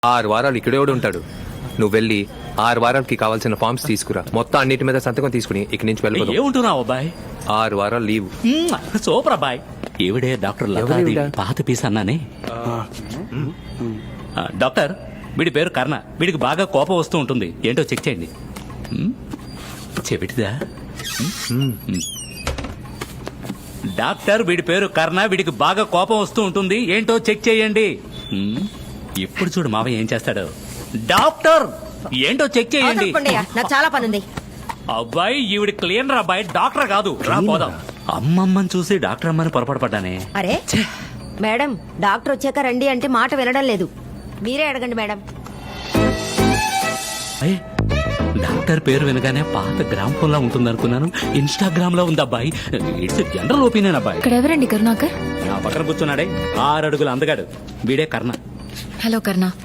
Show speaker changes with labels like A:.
A: 6 వారాలు ఇక్కడే ఉంటాడు. నువ్వు వెళ్ళి 6 వారాలకి కావాల్సిన ఫార్మ్స్ తీసుకురా. మొత్తం అన్నిటి మీద సంతకం తీసుకుని ఇక్కడి నుంచి వెళ్ళిపోదాం.
B: ఏముంటున్నావు అబ్బాయి?
A: 6 వారాలు లీవ్.
B: సూపర్ అబ్బాయి. ఈవిడే డాక్టర్ లతాది, పాత పీస్ అన్నానే. డాక్టర్, వీడి పేరు కర్ణ. వీడికి బాగా కోపం వస్తూ ఉంటుంది. ఏంటో చెక్ చేయండి. చెవిటిదా? డాక్టర్, వీడి పేరు కర్ణ. వీడికి బాగా కోపం వస్తూ ఉంటుంది. ఏంటో చెక్ చేయండి. ఇప్పుడు చూడు మావయ్య ఏం చేస్తాడు. డాక్టర్, ఏంటో చెక్ చేయండి.
C: నాకు చాలా పనుంది.
B: అబ్బాయి, ఈవిడ క్లీనర్ అబ్బాయి, డాక్టర్ కాదు. రా పోదాం. అమ్మమ్మని చూసి డాక్టర్ అమ్మని పొరపాటు పడ్డానే.
C: అరే మేడం, డాక్టర్ వచ్చాక రండి అంటే మాట వినడం లేదు. మీరే అడగండి మేడం.
B: డాక్టర్ పేరు వినగానే పాత గ్రామ్ ఫోన్ లా ఉంటుంది అనుకున్నాను. ఇన్స్టాగ్రామ్ లో ఉంది అబ్బాయి. ఇట్స్ జనరల్ ఒపీనియన్ అబ్బాయి.
D: ఇక్కడ ఎవరండి కరుణాకర్?
B: నా పక్కన కూర్చున్నాడే 6 అడుగులు అందగాడు. వీడే కర్ణ.
D: హలో కర్ణ.